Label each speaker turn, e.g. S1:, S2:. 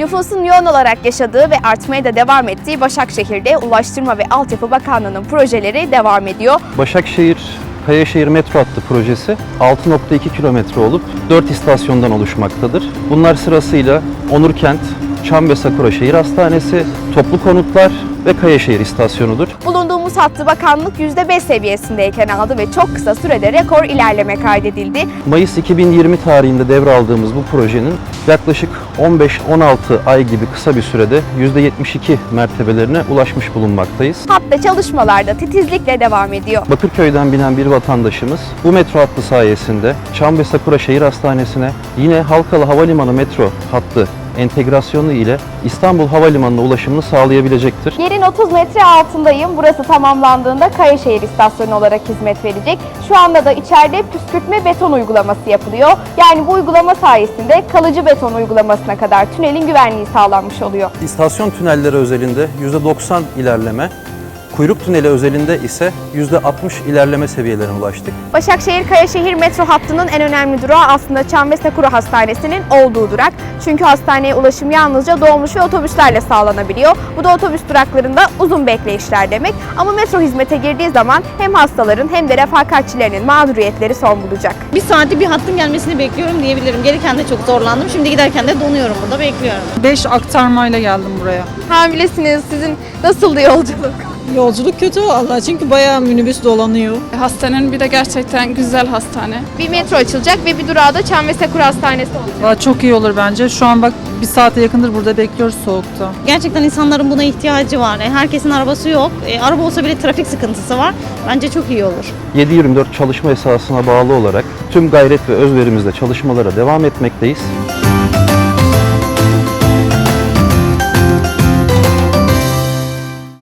S1: Nüfusun yoğun olarak yaşadığı ve artmaya da devam ettiği Başakşehir'de Ulaştırma ve Altyapı Bakanlığı'nın projeleri devam ediyor.
S2: Başakşehir-Kayaşehir metro hattı projesi 6,2 kilometre olup 4 istasyondan oluşmaktadır. Bunlar sırasıyla Onurkent, Çam ve Sakura Şehir Hastanesi, Toplu Konutlar ve Kayaşehir istasyonudur.
S1: Bulunduğumuz hattı bakanlık %5 seviyesindeyken aldı ve çok kısa sürede rekor ilerleme kaydedildi.
S2: Mayıs 2020 tarihinde devraldığımız bu projenin yaklaşık 15-16 ay gibi kısa bir sürede %72 mertebelerine ulaşmış bulunmaktayız.
S1: Hatta çalışmalar da titizlikle devam ediyor.
S2: Bakırköy'den binen bir vatandaşımız bu metro hattı sayesinde Çam ve Sakura Şehir Hastanesi'ne, yine Halkalı Havalimanı metro hattı entegrasyonu ile İstanbul Havalimanı'na ulaşımını sağlayabilecektir.
S1: Yerin 30 metre altındayım. Burası tamamlandığında Kayaşehir istasyonu olarak hizmet verecek. Şu anda da içeride püskürtme beton uygulaması yapılıyor. Yani bu uygulama sayesinde kalıcı beton uygulamasına kadar tünelin güvenliği sağlanmış oluyor.
S2: İstasyon tünelleri özelinde %90 ilerleme, kuyruk tüneli özelinde ise %60 ilerleme seviyelerine ulaştık.
S1: Başakşehir-Kayaşehir metro hattının en önemli durağı aslında Çam ve Sakura Hastanesi'nin olduğu durak. Çünkü hastaneye ulaşım yalnızca dolmuş ve otobüslerle sağlanabiliyor. Bu da otobüs duraklarında uzun bekleyişler demek. Ama metro hizmete girdiği zaman hem hastaların hem de refakatçilerinin mağduriyetleri son bulacak.
S3: Bir saati bir hattın gelmesini bekliyorum diyebilirim. Gelirken de çok zorlandım. Şimdi giderken de donuyorum burada, bekliyorum.
S4: 5 aktarmayla geldim buraya.
S1: Hamilesiniz. Sizin nasıldı yolculuk?
S5: Yolculuk kötü vallahi çünkü bayağı minibüs dolanıyor.
S6: Hastanenin bir de gerçekten güzel hastane.
S1: Bir metro açılacak ve bir durağı da Çam ve Sakura Hastanesi olacak.
S4: Valla çok iyi olur bence. Şu an bak bir saate yakındır burada bekliyoruz soğukta.
S3: Gerçekten insanların buna ihtiyacı var. Herkesin arabası yok. Araba olsa bile trafik sıkıntısı var. Bence çok iyi olur.
S2: 7/24 çalışma esasına bağlı olarak tüm gayret ve özverimizle çalışmalara devam etmekteyiz.